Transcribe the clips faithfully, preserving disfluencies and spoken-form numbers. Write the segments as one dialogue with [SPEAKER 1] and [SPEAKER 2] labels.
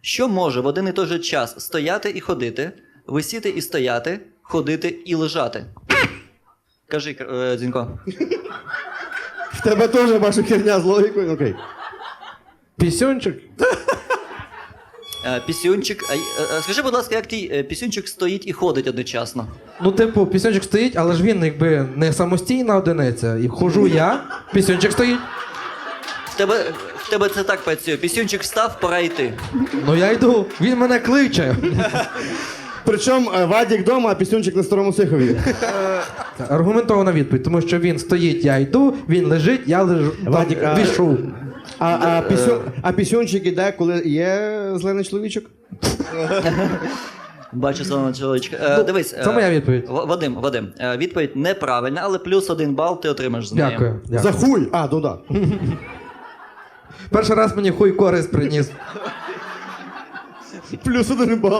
[SPEAKER 1] Що може в один і той же час стояти і ходити, висіти і стояти, ходити і лежати? Кажи, е, Дзінько.
[SPEAKER 2] В тебе теж ваша херня з логікою, окей.
[SPEAKER 3] Пісюнчик?
[SPEAKER 1] Е, Пісюнчик. А, й- е, скажи, будь ласка, як твій е, пісюнчик стоїть і ходить одночасно?
[SPEAKER 3] Ну, типу, пісюнчик стоїть, але ж він якби не самостійна одиниця. І хожу я, пісюнчик стоїть.
[SPEAKER 1] В тебе, в тебе це так працює. Пісюнчик встав, пора йти.
[SPEAKER 3] Ну я йду, він мене кличе.
[SPEAKER 2] Причому е, Вадік вдома, а пісюнчик на старому Сихові.
[SPEAKER 3] Аргументована відповідь, тому що він стоїть, я йду, він лежить, я лежу.
[SPEAKER 2] Вадік, а-
[SPEAKER 3] Вішу.
[SPEAKER 2] А, а, пісю... а пісюнчик іде, коли є зелений чоловічок?
[SPEAKER 1] Бачу зеленого чоловічка. Е, дивись.
[SPEAKER 3] Це моя відповідь.
[SPEAKER 1] В- Вадим, Вадим, е, відповідь неправильна, але плюс один бал ти отримаєш з нею.
[SPEAKER 3] Дякую.
[SPEAKER 2] За
[SPEAKER 3] дякую.
[SPEAKER 2] хуй! А, ну да.
[SPEAKER 3] Перший раз мені хуй користь приніс.
[SPEAKER 2] Плюс один бал.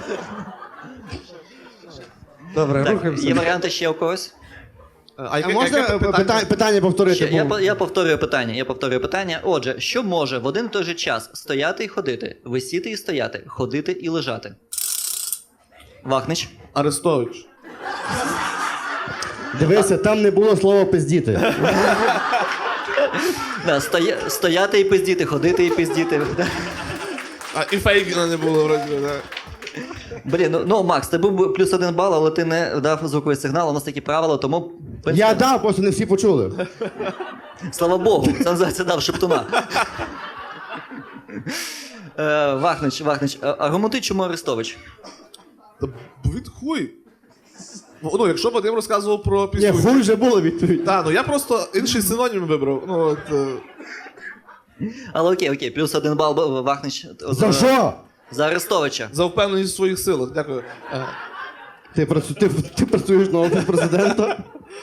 [SPEAKER 3] Добре,
[SPEAKER 1] Так,
[SPEAKER 3] рухаємося.
[SPEAKER 1] є варіанти ще у когось?
[SPEAKER 4] А,
[SPEAKER 2] А
[SPEAKER 4] яке,
[SPEAKER 2] можна
[SPEAKER 4] яке
[SPEAKER 2] е,
[SPEAKER 4] питання?
[SPEAKER 2] питання, питання повторити?
[SPEAKER 1] Ще, я,
[SPEAKER 2] бо-
[SPEAKER 1] по- я повторюю питання. Я повторюю питання. Отже, що може в один і той же час стояти і ходити, висіти і стояти, ходити і лежати? Вахнич.
[SPEAKER 4] Арестович.
[SPEAKER 2] Дивися, там не було слова пиздіти.
[SPEAKER 1] Да, стоя, стояти і пиздіти, ходити і пиздіти.
[SPEAKER 4] А і Фейгіна не було вроді, да.
[SPEAKER 1] Блін, ну, ну Макс, ти був плюс один бал, але ти не дав звуковий сигнал, у нас такі правила, тому. в принципі,
[SPEAKER 2] Я дав, просто не всі почули.
[SPEAKER 1] Слава Богу, це називається дав шептуна. Е, Вахнич, Вахнич, а- аргументи, чому Арестович?
[SPEAKER 4] Та від хуй. Ну, якщо Вадим розказував про
[SPEAKER 2] Ні,
[SPEAKER 4] пісню.
[SPEAKER 2] хуй вже було відповідь.
[SPEAKER 4] Так, ну я просто інший синонім вибрав. Ну, от, е,
[SPEAKER 1] Але окей, окей, плюс один бал б- Вахнич.
[SPEAKER 2] За що?
[SPEAKER 1] За Арестовича.
[SPEAKER 4] за впевненість в своїх силах. Дякую. Е,
[SPEAKER 2] Ти, працю... ти, ти працюєш на офіс президента?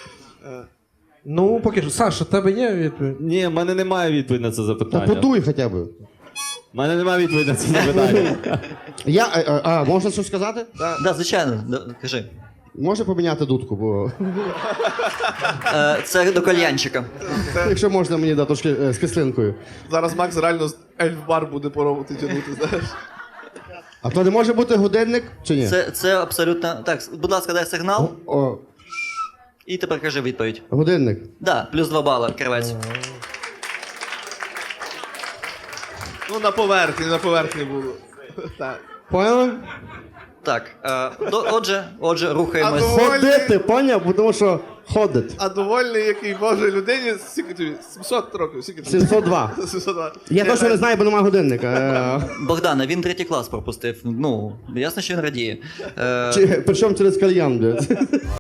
[SPEAKER 3] Ну, поки що. Саша, в тебе є відповідь?
[SPEAKER 5] Ні, в мене немає відповіді на це
[SPEAKER 2] Та
[SPEAKER 5] запитання.
[SPEAKER 2] подуй хоча б.
[SPEAKER 5] В мене немає відповіді на це запитання.
[SPEAKER 2] Я, а, а, можна щось сказати?
[SPEAKER 1] Да, звичайно, да, кажи.
[SPEAKER 2] Може поміняти дудку, бо
[SPEAKER 1] Е, це до кальянчика.
[SPEAKER 2] якщо можна мені дати трошки е, з кислинкою.
[SPEAKER 4] Зараз Макс реально з ельф-бар буде пробувати тягнути, знаєш.
[SPEAKER 2] А то не може бути годинник чи ні?
[SPEAKER 1] Це, це абсолютно. Так, будь ласка, дай сигнал
[SPEAKER 2] О,
[SPEAKER 1] і тепер кажи відповідь.
[SPEAKER 2] годинник.
[SPEAKER 1] Да, плюс два бали, кривець.
[SPEAKER 4] Ну, на поверхні, на поверхні було. Так.
[SPEAKER 2] Поняли?
[SPEAKER 1] Так, е, до, отже, отже, рухаємось.
[SPEAKER 4] А то-
[SPEAKER 2] Ходити, поняв? Бо Тому що ходить.
[SPEAKER 4] А довольний, який Боже людині, скільки тобі? сімсот років, скільки тобі?
[SPEAKER 2] сімсот два.
[SPEAKER 4] сімсот два.
[SPEAKER 2] Я точно не знаю, бо немає годинника. Е,
[SPEAKER 1] Богдане, він третій клас пропустив. Ну, ясно, що він радіє. Е,
[SPEAKER 2] чи- Причому через кальян, блядь.